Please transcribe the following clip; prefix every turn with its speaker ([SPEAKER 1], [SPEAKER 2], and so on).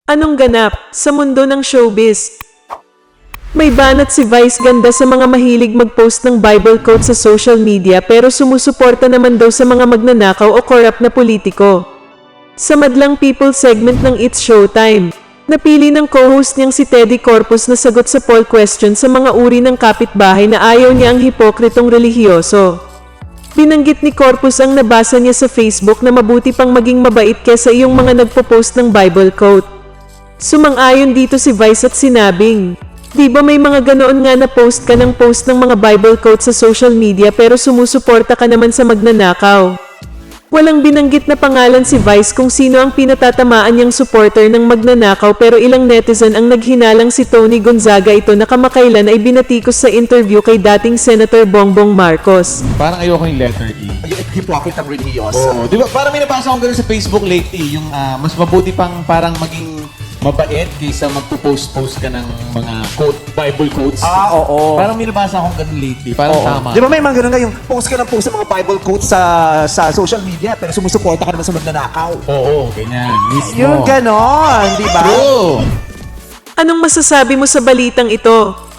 [SPEAKER 1] Anong ganap sa mundo ng showbiz? May banat si Vice Ganda sa mga mahilig mag-post ng Bible quote sa social media pero sumusuporta naman daw sa mga magnanakaw o corrupt na politiko. Sa Madlang People segment ng It's Showtime, napili ng co-host niyang si Teddy Corpus na sagot sa poll question sa mga uri ng kapitbahay na ayaw niya ang hipokritong relihiyoso. Binanggit ni Corpus ang nabasa niya sa Facebook na mabuti pang maging mabait kesa iyong mga nagpo-post ng Bible quote. Sumang-ayon dito si Vice at sinabing, "Di ba may mga ganoon nga na post ka ng mga Bible quotes sa social media pero sumusuporta ka naman sa magnanakaw?" Walang binanggit na pangalan si Vice kung sino ang pinatatamaan niyang supporter ng magnanakaw pero ilang netizen ang naghinalang si Tony Gonzaga ito na kamakailan ay binatikos sa interview kay dating Senator Bongbong Marcos.
[SPEAKER 2] Parang ayoko yung letter E.
[SPEAKER 3] Yung hypocrite ang religyoso.
[SPEAKER 2] Oo, di ba? Parang may nabasa akong ganun sa Facebook lately, yung mas mabuti pang parang maging mabait kaysa magpo-post ka ng mga Bible quotes.
[SPEAKER 3] Oo.
[SPEAKER 2] Parang may nabasa akong ganun lately. Parang tama.
[SPEAKER 3] Di ba may mga ganun nga yung post ka ng post sa mga Bible quotes sa social media pero sumusuporta ka naman sa magnanakaw.
[SPEAKER 2] Oo, ganyan. Mismo.
[SPEAKER 3] Yung ganon, di ba?
[SPEAKER 2] True.
[SPEAKER 1] Anong masasabi mo sa balitang ito?